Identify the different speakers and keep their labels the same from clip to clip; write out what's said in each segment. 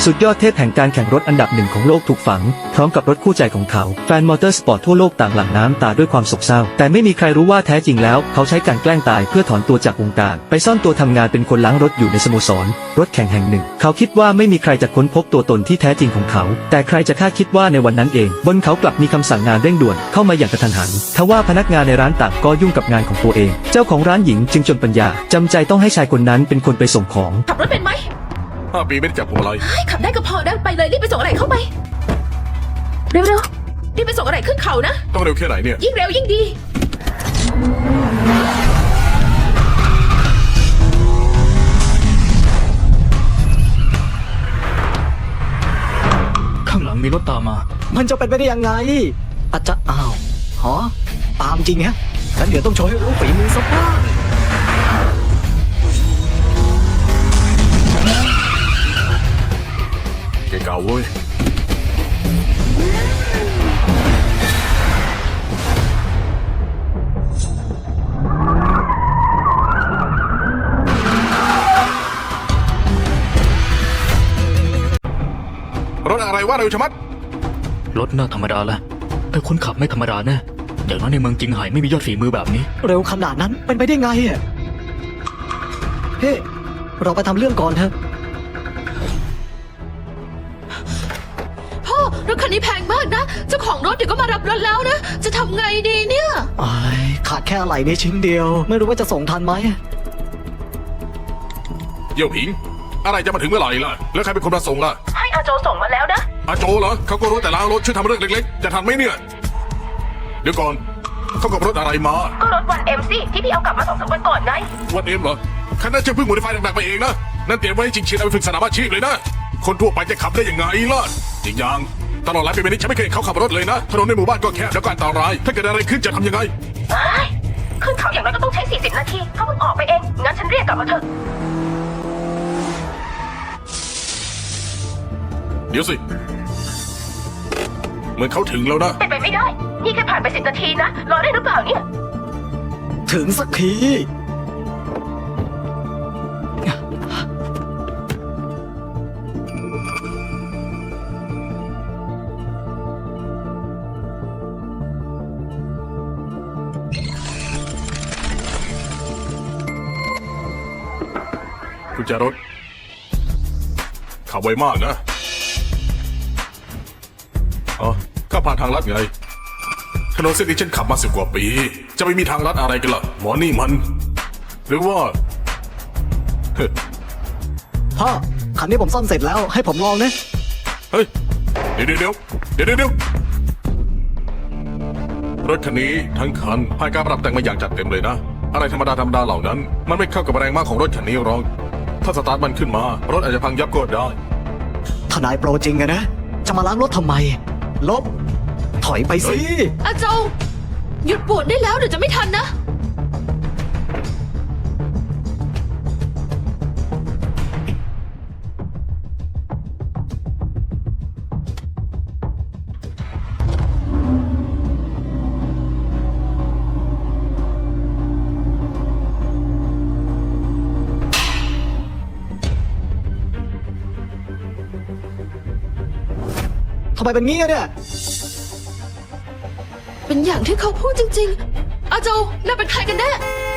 Speaker 1: สุดยอดเทพแห่งการแข่งรถอันดับหนึ่งของโลกถูกฝังพร้อมกับรถคู่ใจของเขาแฟนมอเตอร์สปอร์ตทั่วโลกต่างหลั่งน้ำตาด้วยความโศกเศร้าแต่ไม่มีใครรู้ว่าแท้จริงแล้วเขาใช้การแกล้งตายเพื่อถอนตัวจากวงการไปซ่อนตัวทำงานเป็นคนล้างรถอยู่ในสโมสรรถแข่งแห่งหนึ่งเขาคิดว่าไม่มีใครจะค้นพบตัวตนที่แท้จริงของเขาแต่ใครจะคาดคิดว่าในวันนั้นเองบนเขากลับมีคำสั่งงานเร่งด่วนเข้ามาอย่างกระทันหันทว่าพนักงานในร้านต่างก็ยุ่งกับงานของตัวเองเจ้าของร้านหญิงจึงจนปัญญาจำใจต้องให้ชายคนนั้นเป็นคนไปส่งของ
Speaker 2: ขับรถเป็นไหม
Speaker 3: 5 ปีไม่ได้จับพวงมาลัย
Speaker 2: ขับได้ก็พอนะไปเลยรีบไปส่งอะไรเข้าไปเร็วๆรีบไปส่งอะไรขึ้นเขานะ
Speaker 3: ต้องเร็วแค่ไหนเนี่ย
Speaker 2: ยิ่งเร็วยิ่งดี
Speaker 4: ข้างหลังมีรถตามมา
Speaker 5: มันจะเป็นไปได้ยังไง อาจจะอ้าวหอตามจริงฮะงั้นเดี๋ยวต้องโชว์ให้รู้ฝีมือสักบ้าง
Speaker 3: เก่าเว้ยรถอะไรวะเร็วชะมัด
Speaker 4: รถน่าธรรมดาแหละแต่คนขับไม่ธรรมดาแน่อย่างน้อยในเมืองจิงไห่ไม่มียอดฝีมือแบบนี้
Speaker 5: เร็วขนาดนั้นเป็นไปได้ไงอ่ะเฮ้เราไปทำเรื่องก่อนเถอะ
Speaker 2: พ่อรถคันนี้แพงมากนะเจ้าของรถเดี๋ยวก็มารับรถแล้วนะจะทำไงดีเนี่ย
Speaker 5: อ้ายขาดแค่อะไหล่ในชิ้นเดียว ไม่รู้ว่าจะส่งทันไหม
Speaker 3: เยี่ยวผิง อะไรจะมาถึงเมื่อไหร่ล่ะ แล้วใครเป็นคนมาส่งล่ะ
Speaker 2: ให้อาโจส่งมาแล้วนะ
Speaker 3: อาโจเหรอเขาก็รู้แต่ล้างรถช่วยทำเรื่องเล็กๆ จะทันไหมเนี่ย เดี๋ยวก่อนเขากับรถอะไรมา
Speaker 2: ก็รถวันเอ็มซี่ที่พี่เอากลับมา2-3 วันก่อนไง
Speaker 3: วันเอ็มเหรอคันนั้นจะเพิ่งโมดิฟายหนักๆไปเองนะนั่นเตรียมไว้ให้จริงๆเอาไปฝึกสนามอาชีพเลยนะคนทั่วไปจะขับได้ยังไงล่ะอีกอย่างตลอดหลายปีมานี้ฉันไม่เคยเห็นเขาขับรถเลยนะถนนในหมู่บ้านก็แคบแล้วก็อันตรายถ้าเกิดอะไรขึ้นจะทำยังไง
Speaker 2: ขึ้นเขาอย่างน้อยก็ต้องใช้40 นาทีเขาเพิ่งออกไปเองงั้นฉันเรียกกลับมาเถอะ
Speaker 3: เดี๋ยวสิเหมือนเขาถึงแล้วนะ
Speaker 2: เป็นไปไม่ได้ นี่แค่ผ่านไป10 นาทีนะรอได้หรือเปล่าเนี่ย
Speaker 5: ถึงสักที
Speaker 3: กุญแจรถขับไวมากนะอ๋อข้าผ่านทางลัดไงถนนเส้นนี้ฉันขับมา10 กว่าปี จะไม่มีทางลัดอะไรกันล่ะหมอนี่มัน หรือว่าเฮ้ย
Speaker 5: พ่อคันนี้ผมซ่อมเสร็จแล้วให้ผมลองนะ
Speaker 3: เฮ้ยเดี๋ยวรถคันนี้ทั้งคันผ่านการปรับแต่งมาอย่างจัดเต็มเลยนะ อะไรธรรมดาเหล่านั้น มันไม่เข้ากับแรงม้าของรถคันนี้หรอกถ้าสตาร์ทมันขึ้นมารถอาจจะพังยับก็ได้
Speaker 5: ทนายโปรจริงอะนะ จะมาล้างรถทำไม ลบ ถอยไปสิ
Speaker 2: อาโจหยุดปวดได้แล้วเดี๋ยวจะไม่ทันนะ
Speaker 5: ทำไมเป็นงี้อะเนี่ย
Speaker 2: เป็นอย่างที่เขาพูดจริงๆ อาโจน่าเป็นใครกันแน่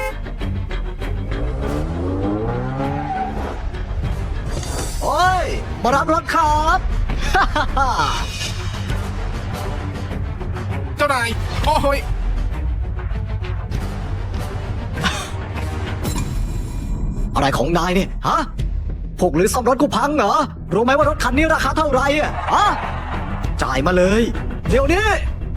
Speaker 5: โอ้ย มารับรถครับ
Speaker 3: เจ้านายโอ้ย
Speaker 5: อะไรของนายเนี่ย ฮะพวกหรือซ่อมรถกูพังเหรอ รู้ไหมว่ารถคันนี้ราคาเท่าไหร่อะฮะจ่ายมาเลย เดี๋ยวนี้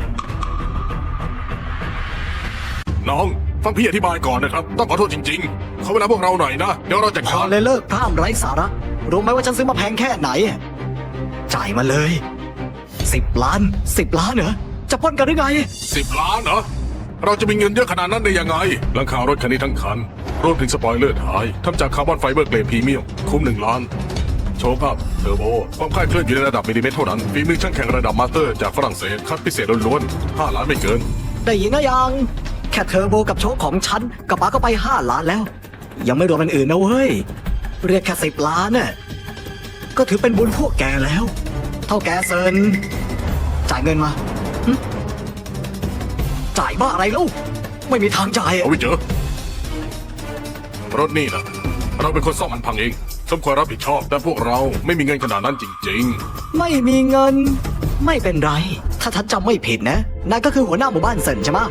Speaker 3: น้องฟังพี่อธิบายก่อนนะครับ ต้องขอโทษจริงๆเขาเวลาพวกเราหน่อยนะ เดี๋ยวเราจัด
Speaker 5: พ
Speaker 3: กา
Speaker 5: อ
Speaker 3: ร
Speaker 5: เลยเลิกพร่ำไร้สาระ รู้ไหมว่าฉันซื้อมาแพงแค่ไหน จ่ายมาเลย10 ล้าน10 ล้านเหรอ จะปล้นกันหรือไง
Speaker 3: 10 ล้านเหรอ เราจะมีเงินเยอะขนาดนั้นได้ยังไงหลังคารถคันนี้ทั้งคัน รวมถึงสปอยเลอร์ท้ายทำจากคาร์บอนไฟเบอร์เกรดพรีเมียม คุ้ม1 ล้าน โชว์ภาพเทอร์โบ ความคลาดเคลื่อนอยู่ในระดับมิลลิเมตรเท่านั้นฝีมือช่างแข่งระดับมาสเตอร์จากฝรั่งเศส คัดพิเศษล้วนๆ5 ล้านไม่เกิน
Speaker 5: ได้ยินนะยัง แค่เทอร์โบกับโชคของฉันกับป๋าก็ไป5 ล้านแล้ว ยังไม่รวมอันอื่นนะเว้ย เรียกแค่10 ล้านน่ะก็ถือเป็นบุญพวกแกแล้ว เท่าแกเซินจ่ายเงินมาหึจ่ายบ้าอะไรลูกไม่มีทางจ่ายอะ
Speaker 3: เอาไว้เจอรถนี่นะเราเป็นคนซ่อมมันพังเองสมควรรับผิดชอบ แต่พวกเราไม่มีเงินขนาดนั้นจริง
Speaker 5: ไม่มีเงิน ไม่เป็นไร ถ้าทัดจำไม่ผิดนะนายก็คือหัวหน้าหมู่บ้านเซินใช่ไหม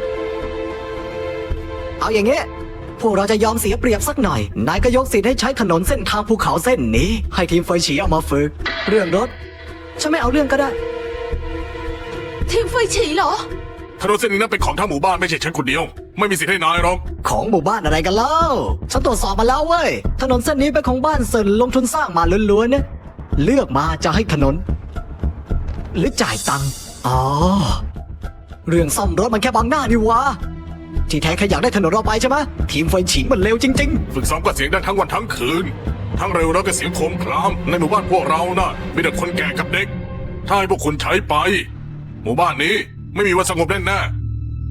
Speaker 5: เอาอย่างเงี้ยพวกเราจะยอมเสียเปรียบสักหน่อยนายก็ยกสิทธิ์ให้ใช้ถนนเส้นทางภูเขาเส้นนี้ ให้ทีมเฟยฉีเอามาฝึก เรื่องรถฉันไม่เอาเรื่องก็ได้
Speaker 2: ทีมไฟฉีเหรอ
Speaker 3: ๆถนนเส้นนี้นั้นเป็นของทั้งหมู่บ้านไม่ใช่ฉันคนเดียว ไม่มีสิทธิ์ให้นายหรอก
Speaker 5: ของหมู่บ้านอะไรกันเล่า ฉันตรวจสอบมาแล้วเว้ย ถนนเส้นนี้เป็นของบ้านเซินลงทุนสร้างมาล้วนๆนะเลือกมาจะให้ถนน หรือจ่ายตังค์ อ๋อ เรื่องซ่อมรถมันแค่บังหน้านี่หวะที่แท้แค่อยากได้ถนนเราไปใช่ไหมทีมไฟฉิงมันเร็วจริง
Speaker 3: ฝึกซ้อมก็เสียงดังทั้งวันทั้งคืน ทั้งเร็วแล้วก็เสียงโครมครามในหมู่บ้านพวกเรานะมีแต่คนแก่กับเด็ก ถ้าให้พวกคุณใช้ไป หมู่บ้านนี้ไม่มีวันสงบแน่ๆ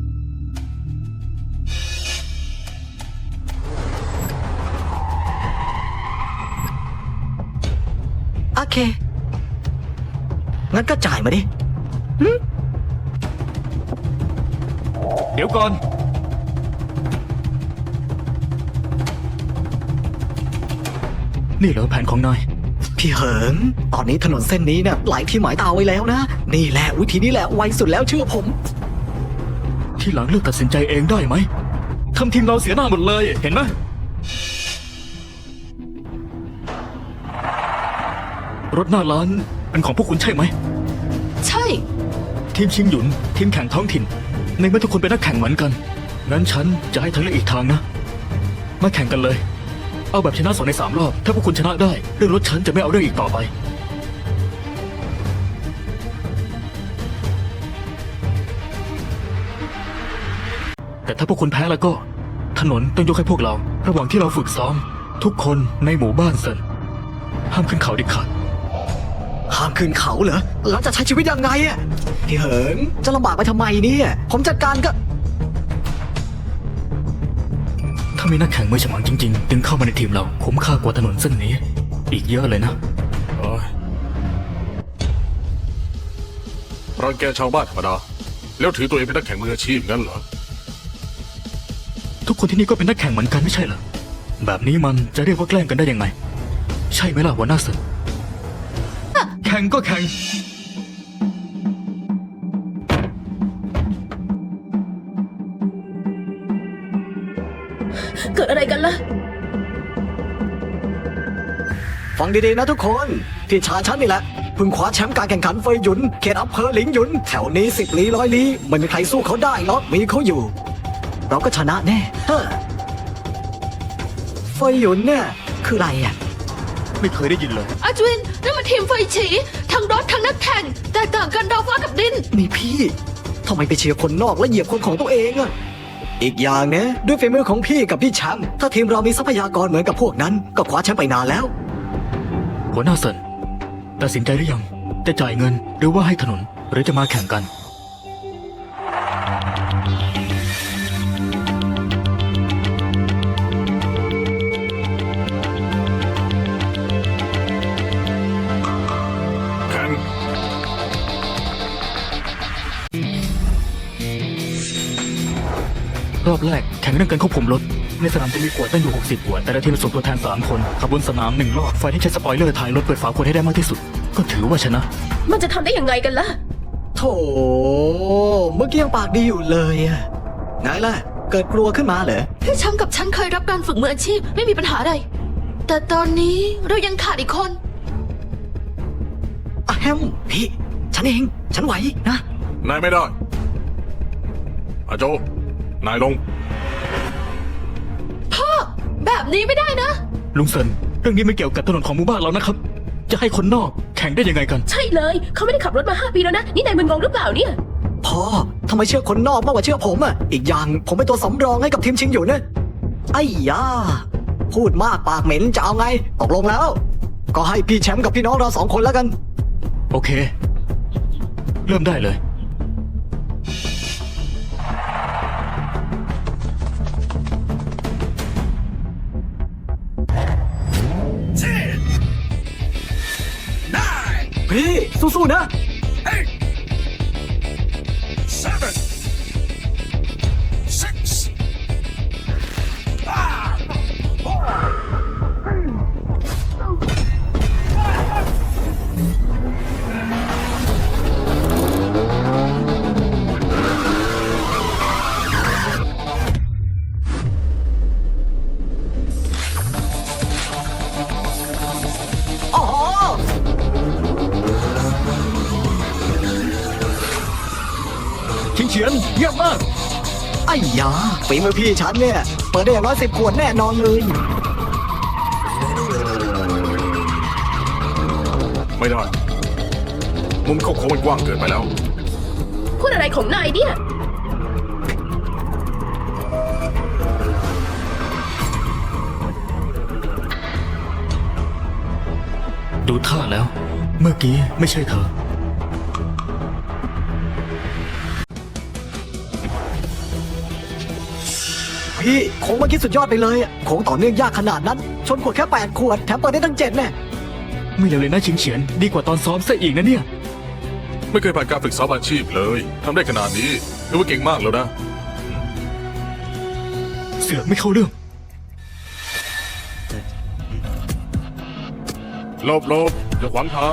Speaker 5: ๆ โอเค งั้นก็จ่ายมาดิ
Speaker 4: เดี๋ยวก่อน นี่เหรอแผนของนาย
Speaker 5: พี่เหิง ตอนนี้ถนนเส้นนี้เนี่ยหลายที่หมายตาไว้แล้วนะ นี่แหละวิธีนี้แหละไวสุดแล้วเชื่อผม
Speaker 4: ที่หลังเลือกตัดสินใจเองได้ไหมทำทีมเราเสียหน้าหมดเลย เห็นไหมรถหน้าร้านเป็นของพวกคุณใช่ไหม
Speaker 2: ใช่
Speaker 4: ทีมชิงหยุน ทีมแข่งท้องถิ่น ในเมื่อทุกคนเป็นนักแข่งเหมือนกัน งั้นฉันจะให้เธอเลือกอีกทางนะ มาแข่งกันเลย เอาแบบชนะ2 ใน 3 รอบ ถ้าพวกคุณชนะได้ เรื่องรถฉันจะไม่เอาเรื่องอีกต่อไป แต่ถ้าพวกคุณแพ้แล้วก็ ถนนต้องยกให้พวกเรา ระหว่างที่เราฝึกซ้อม ทุกคนในหมู่บ้านเซินห้ามขึ้นเขาเด็ดขาด
Speaker 5: ห้ามขึ้นเขาเหรอ แล้วจะใช้ชีวิตยังไงอะพี่เหิง จะลำบากไปทำไมเนี่ย ผมจัดการก็
Speaker 4: ถ้ามีนักแข่งมือฉมังจริงๆ ดึงเข้ามาในทีมเราคุ้มค่ากว่าถนนเส้นนี้ อีกเยอะเลยนะ
Speaker 3: โอ้ยรังแกชาวบ้านธรรมดา แล้วถือตัวเองเป็นนักแข่งมืออาชีพงั้นเหรอ
Speaker 4: ทุกคนที่นี่ก็เป็นนักแข่งเหมือนกันไม่ใช่เหรอ แบบนี้มันจะเรียกว่าแกล้งกันได้ยังไง ใช่ไหมล่ะหัวหน้าเซินแข่งก็แข่ง
Speaker 2: เกิดอะไรกันล่ะ
Speaker 5: ฟังดีๆนะทุกคน พี่ชายฉันนี่แหละเพิ่งคว้าแชมป์การแข่งขันเฟยหยุน เขตอำเภอหลิงหยุน แถวนี้10 ลี้100 ลี้ไม่มีใครสู้เขาได้หรอกมีเขาอยู่ เราก็ชนะแน่เฮ้อเฟยหยุนเนี่ยคืออะไรอ่ะ
Speaker 4: ไม่เคยได้ยินเลย
Speaker 2: อาจวินนั่นมันทีมไฟฉีทั้งรถทั้งนักแข่งแตกต่างกันดาวฟ้ากับดิน
Speaker 5: นี่พี่ทำไมไปเชียร์คนนอกและเหยียบคนของตัวเองอะอีกอย่างนะด้วยฝีมือของพี่กับพี่แชมป์ถ้าทีมเรามีทรัพยากรเหมือนกับพวกนั้น ก็คว้าแชมป์ไปนานแล้ว
Speaker 4: หัวหน้าเซินตัดสินใจหรือยัง จะจ่ายเงินหรือว่าให้ถนน หรือจะมาแข่งกัน
Speaker 3: แข่ง
Speaker 4: รอบแรกแข่งเรื่องการควบคุมรถ ในสนามจะมีขวดตั้งอยู่60ขวดแต่ละทีมส่งตัวแทน3 คนขับบนสนาม1 รอบฝ่ายที่ใช้สปอยเลอร์ถ่ายรถเปิดฝาขวดให้ได้มากที่สุด ก็ถือว่าชนะ
Speaker 2: มันจะทำได้ยังไงกันล่ะ
Speaker 5: โถเมื่อกี้ยังปากดีอยู่เลยอะไงล่ะ เกิดกลัวขึ้นมาเหรอ
Speaker 2: พี่แชมป์กับฉันเคยรับการฝึกมืออาชีพไม่มีปัญหาอะไร แต่ตอนนี้เรายังขาดอีกคน
Speaker 5: อะแฮมพี่ฉันเองฉันไหวนะ
Speaker 3: นายไม่ได้อาโจ นายลง
Speaker 2: แบบนี้ไม่ได้นะ
Speaker 4: ลุงเซินเรื่องนี้ไม่เกี่ยวกับถนนของหมู่บ้านเรานะครับ จะให้คนนอกแข่งได้ยังไงกัน
Speaker 6: ใช่เลย เขาไม่ได้ขับรถมา 5 ปีแล้วนะ นี่นายมึนงงหรือเปล่าเนี่ย
Speaker 5: พ่อทำไมเชื่อคนนอกมากกว่าเชื่อผมอะอีกอย่างผมเป็นตัวสำรองให้กับทีมชิงอยู่นะไอ้ยาพูดมากปากเหม็นจะเอาไงตกลงแล้ว ก็ให้พี่แชมป์กับพี่น้องเรา2 คนแล้วกัน
Speaker 4: โอเค เริ่มได้เลย
Speaker 5: พพี่สู้ๆนะ
Speaker 3: 7 6
Speaker 5: โอ้โห
Speaker 4: ชิงเฉียนเยี่ยมมาก
Speaker 5: ไอ้ยาฝีมือพี่ฉันเนี่ย เปิดได้อย่าง110 ขวดแน่นอนเลย
Speaker 3: ไม่ได้ มุมเข้าโค้งมันกว้างเกินไปแล้ว
Speaker 6: พูดอะไรของนายเนี่ย
Speaker 4: ดูท่าแล้ว เมื่อกี้ไม่ใช่เธอ
Speaker 5: พี่โค้งเมื่อกี้สุดยอดไปเลยอะโค้งต่อเนื่องยากขนาดนั้น ชนขวดแค่8 ขวด แถมเปิดได้ตั้ง7แน่
Speaker 4: ไม่เลวเลยนะชิงเฉียนดีกว่าตอนซ้อมซะอีกนะเนี่ย
Speaker 3: ไม่เคยผ่านการฝึกซ้อมอาชีพเลยทำได้ขนาดนี้ถือว่าเก่งมากแล้วนะ
Speaker 4: เสือกไม่เข้าเรื่อง
Speaker 3: หลบอย่าขวางทาง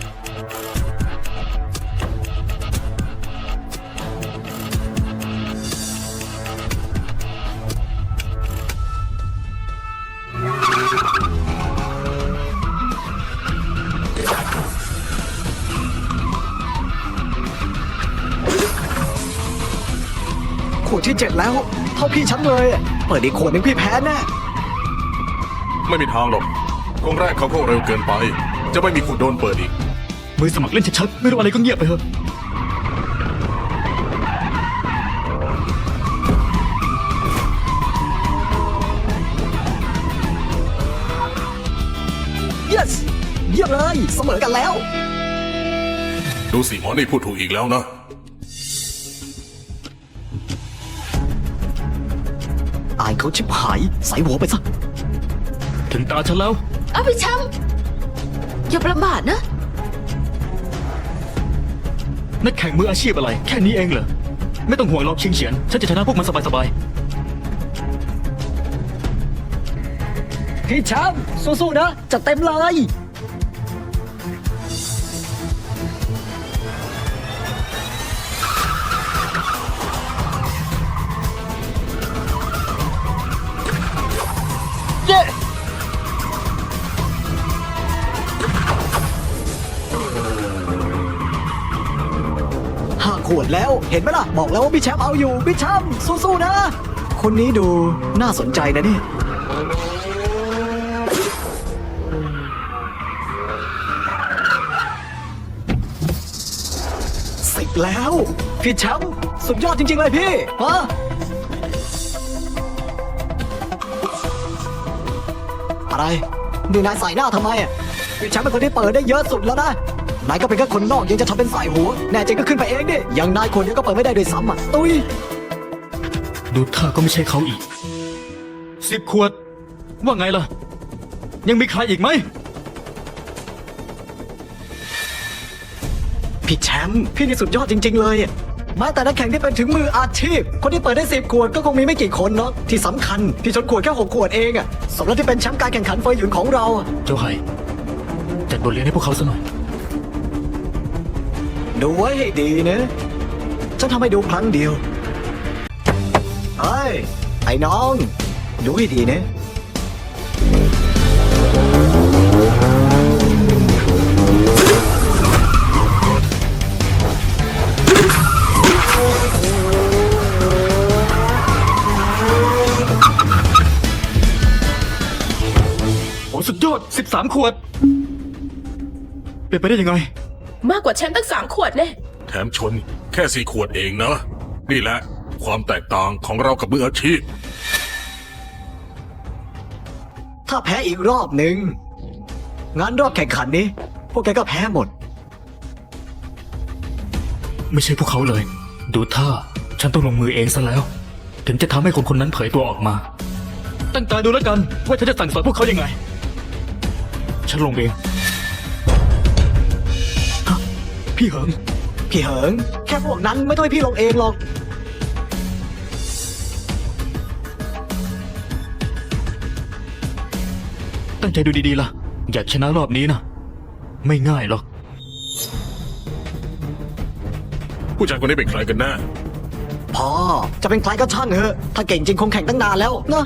Speaker 5: ขวดที่ 7 แล้ว เท่าพี่ฉันเลยอะเปิดอีกขวดหนึงพี่แพ้แน่
Speaker 3: ไม่มีทางหรอกกองแรกเขาเข้าเร็วเกินไป จะไม่มีขุดโดนเปิดอีก
Speaker 4: มือสมัครเล่นชัดๆไม่รู้อะไรก็เงียบไปเถอะ
Speaker 5: yes เยี่ยมเลยเสมอกันแล้ว
Speaker 3: ดูสิหมอนี่พูดถูกอีกแล้วนะ
Speaker 5: อายเขาชิบหายใส่หัวไปซะ
Speaker 4: ถึงตาฉันแล้ว
Speaker 2: เอาไปแชมป์อย่าประมาทนะ
Speaker 4: นักแข่งมืออาชีพอะไร แค่นี้เองเหรอ ไม่ต้องห่วงหรอกชิงเฉียน ฉันจะชนะพวกมันสบาย
Speaker 5: พี่แชมป์สู้ๆนะจัดเต็มเลย เย้ 5 ขวดแล้วเห็นไหมล่ะ บอกแล้วว่าพี่แชมป์เอาอยู่ พี่แชมป์สู้ๆนะ คนนี้ดูน่าสนใจนะเนี่ย 10 แล้ว พี่แชมป์สุดยอดจริง ๆ เลยพี่ฮะอะไรนี่นายใส่หน้าทำไมอ่ะพี่แชมป์เป็นคนที่เปิดได้เยอะสุดแล้วนะนายก็เป็นแค่คนนอกยังจะทำเป็นใส่หัว แน่จริงก็ขึ้นไปเองดิอย่างนายคนเดียวก็เปิดไม่ได้ด้วยซ้ำอ่ะตุ้ย
Speaker 4: ๆ ดูท่าก็ไม่ใช่เขาอีก 10 ขวด ว่าไงล่ะ ยังมีใครอีกไหม
Speaker 5: พี่แชมป์พี่นี่สุดยอดจริง ๆ เลยอะแม้แต่นักแข่งที่เป็นถึงมืออาชีพ คนที่เปิดได้10 ขวดก็คงมีไม่กี่คนเนาะที่สำคัญพี่ชนขวดแค่6 ขวดเองอะสมแล้วที่เป็นแชมป์การแข่งขันเฟยหยุนของเราอะ
Speaker 4: เจ้าไห่จัดบทเรียนให้พวกเขาซะหน่อย
Speaker 5: ดูไว้ให้ดีนะฉันทำให้ดูครั้งเดียวเฮ้ยไอ้น้องดูให้ดีนะ
Speaker 4: โอ้สุดยอด 13 ขวด เป็นไปได้ยังไง
Speaker 6: มากกว่าแชมป์ตั้ง3 ขวดแน่
Speaker 3: แถมชนแค่4 ขวดเองนะ นี่แหละความแตกต่างของเรากับมืออาชีพ
Speaker 5: ถ้าแพ้อีกรอบหนึ่งงั้นรอบแข่งขันนี้ พวกแกก็แพ้หมด
Speaker 4: ไม่ใช่พวกเขาเลย ดูท่า ฉันต้องลงมือเองซะแล้ว ถึงจะทำให้คนคนนั้นเผยตัวออกมา ตั้งตาดูแล้วกัน ว่าฉันจะสั่งสอนพวกเขายังไง ฉันลงเองพี่เหิง
Speaker 5: พี่เหิง แค่พวกนั้นไม่ต้องให้พี่ลงเองหรอก
Speaker 4: ตั้งใจดูดีๆล่ะ อยากชนะรอบนี้นะไม่ง่ายหรอก
Speaker 3: ผู้ชายคนนี้เป็นใครกันแน่
Speaker 5: พอจะเป็นใครก็ช่างเถอะ ถ้าเก่งจริงคงแข่งตั้งนานแล้วนะ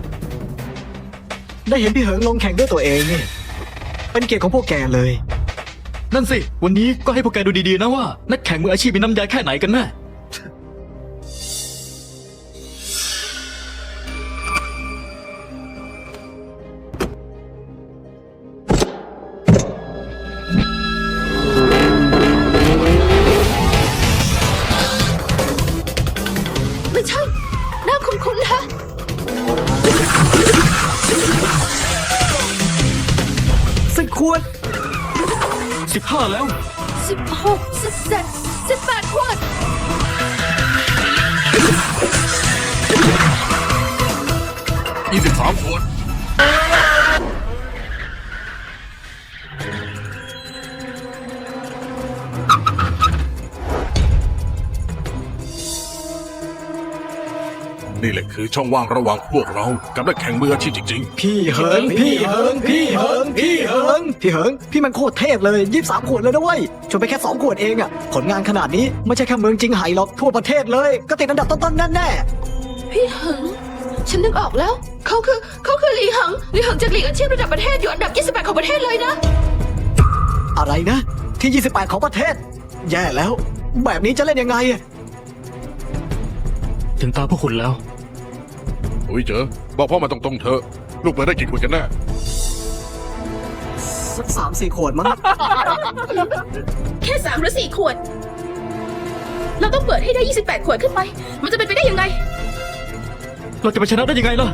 Speaker 5: ได้เห็นพี่เหิงลงแข่งด้วยตัวเองนี่เป็นเกียรติของพวกแกเลย
Speaker 4: นั่นสิ วันนี้ก็ให้พวกแกดูดีๆนะว่า นักแข่งมืออาชีพมีน้ำยาแค่ไหนกันแน่
Speaker 2: ไม่ใช่หน้าคุ้นๆฮะ
Speaker 5: 10 ขวด
Speaker 4: 15 แล้ว
Speaker 2: 16 17 18 ขวด
Speaker 3: 23 ขวด นี่แหละคือช่องว่างระหว่างพวกเรากับนักแข่งมืออาชีพจริง
Speaker 5: พี่เหิง พี่เหิง พี่เหิง พี่เหิง พี่เหิง พี่มันโคตรเทพเลย23 ขวดเลยนะเว้ยชวนไปแค่2 ขวดเองอะผลงานขนาดนี้ไม่ใช่แค่เมืองจิงไห่หรอกทั่วประเทศเลย ก็ติดอันดับต้นๆแน่
Speaker 2: พี่เหิง ฉันนึกออกแล้ว เขาคือหลีเหิงจากหลีกอาชีพระดับประเทศอยู่อันดับ 28 ของประเทศเลยนะ
Speaker 5: ๆอะไรนะ ที่ 28 ของประเทศ แย่แล้ว แบบนี้จะเล่นยังไงอะ
Speaker 4: ถึงตาพวกคุณแล้ว
Speaker 3: ๆ อุ้ยเจอ บอกพ่อมาตรงๆเถอะ ลูกเปิดได้กี่ขวดกันแน่
Speaker 5: สัก3-4 ขวดมั้ง
Speaker 6: แค่ 3 หรือ 4 ขวด เราต้องเปิดให้ได้ 28 ขวดขึ้นไป มันจะเป็นไปได้ยังไง
Speaker 4: เราจะไปชนะได้ยังไงล่ะ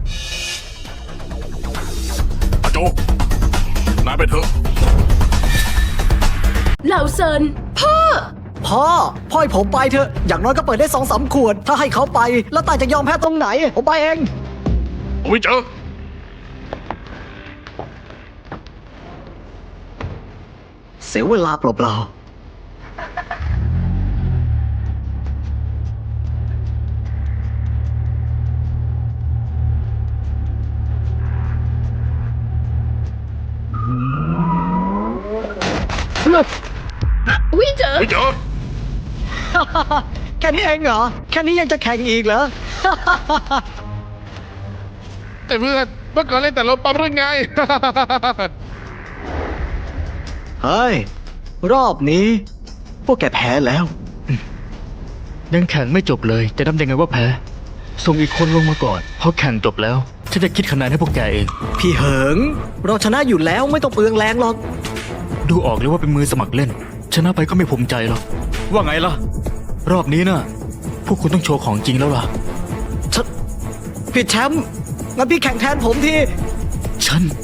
Speaker 3: อาโจ นายไปเถอะ
Speaker 6: เหล่าเซิน
Speaker 5: พ่อให้ผมไปเถอะ อย่างน้อยก็เปิดได้2-3 ขวด ถ้าให้เขาไป แล้วตายจะยอมแพ้ตรงไหน ผมไปเอง
Speaker 3: อุ้ยเจอ
Speaker 5: เสียเวลาเปล่าๆ
Speaker 6: วิเจอ
Speaker 3: อุ้ยเจอ
Speaker 5: แค่นี้เองเหรอ แค่นี้ยังจะแข่งอีกเหรอ
Speaker 3: แต่เพื่อนเมื่อก่อนเล่นแต่รถปั๊มเรื่องไง
Speaker 5: เฮ้ย รอบนี้ พวกแกแพ้แล้ว
Speaker 4: ยังแข่งไม่จบเลย จะนับยังไงว่าแพ้ ส่งอีกคนลงมาก่อน เพราะแข่งจบแล้ว ฉันจะคิดคะแนนให้พวกแกเอง
Speaker 5: พี่เหิง เราชนะอยู่แล้วไม่ต้องเปลืองแรงหรอก
Speaker 4: ดูออกเลยว่าเป็นมือสมัครเล่น ชนะไปก็ไม่ภูมิใจหรอก ว่าไงล่ะ รอบนี้น่ะ พวกคุณต้องโชว์ของจริงแล้วล่ะ
Speaker 5: พี่แชมป์งั้นพี่แข่งแทนผมที
Speaker 4: ฉัน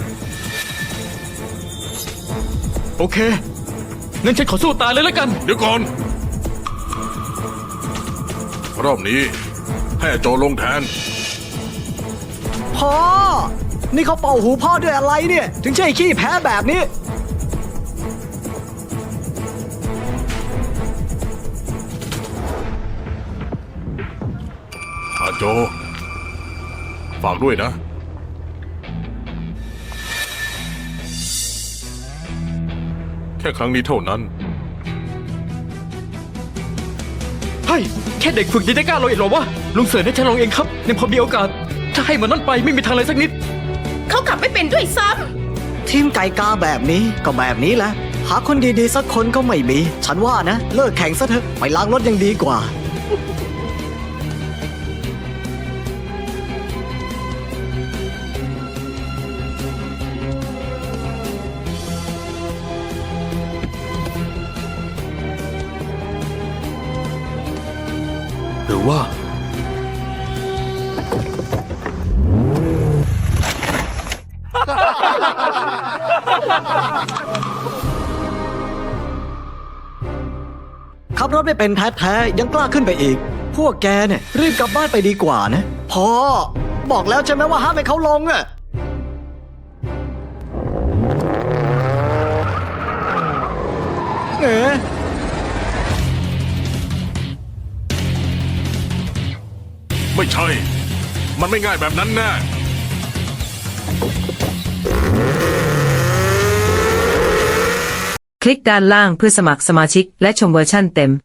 Speaker 4: โอเค งั้นฉันขอสู้ตายเลยแล้วกัน
Speaker 3: เดี๋ยวก่อน รอบนี้ ให้อาโจลงแทน
Speaker 5: พ่อ นี่เขาเป่าหูพ่อด้วยอะไรเนี่ย ถึงใช่ขี้แพ้แบบนี้
Speaker 3: อาโจ ฝากด้วยนะ แค่ครั้งนี้เท่านั้น
Speaker 4: เฮ้ย แค่เด็กฝึกยังได้กล้าลงอีกเหรอวะ ลุงเสิร์ชให้ฉันลงเองครับยังพอมีโอกาส ถ้าให้มันนั่นไปไม่มีทางเลยสักนิด
Speaker 6: เขาขับไม่เป็นด้วยซ้
Speaker 5: ทีมไก่กาแบบนี้ก็แบบนี้แหละ หาคนดีๆสักคนก็ไม่มี ฉันว่านะ เลิกแข่งซะเถอะ ไปล้างรถยังดีกว่า
Speaker 4: หรือว่า
Speaker 5: ขับรถไม่เป็นแท้ๆยังกล้าขึ้นไปอีก พวกแกเนี่ยรีบกลับบ้านไปดีกว่านะพ่อบอกแล้วใช่ไหมว่าห้ามให้เขาลงอะ
Speaker 3: ไม่ใช่ มันไม่ง่ายแบบนั้นแน่
Speaker 7: คลิกด้านล่างเพื่อสมัครสมาชิกและชมเวอร์ชั่นเต็ม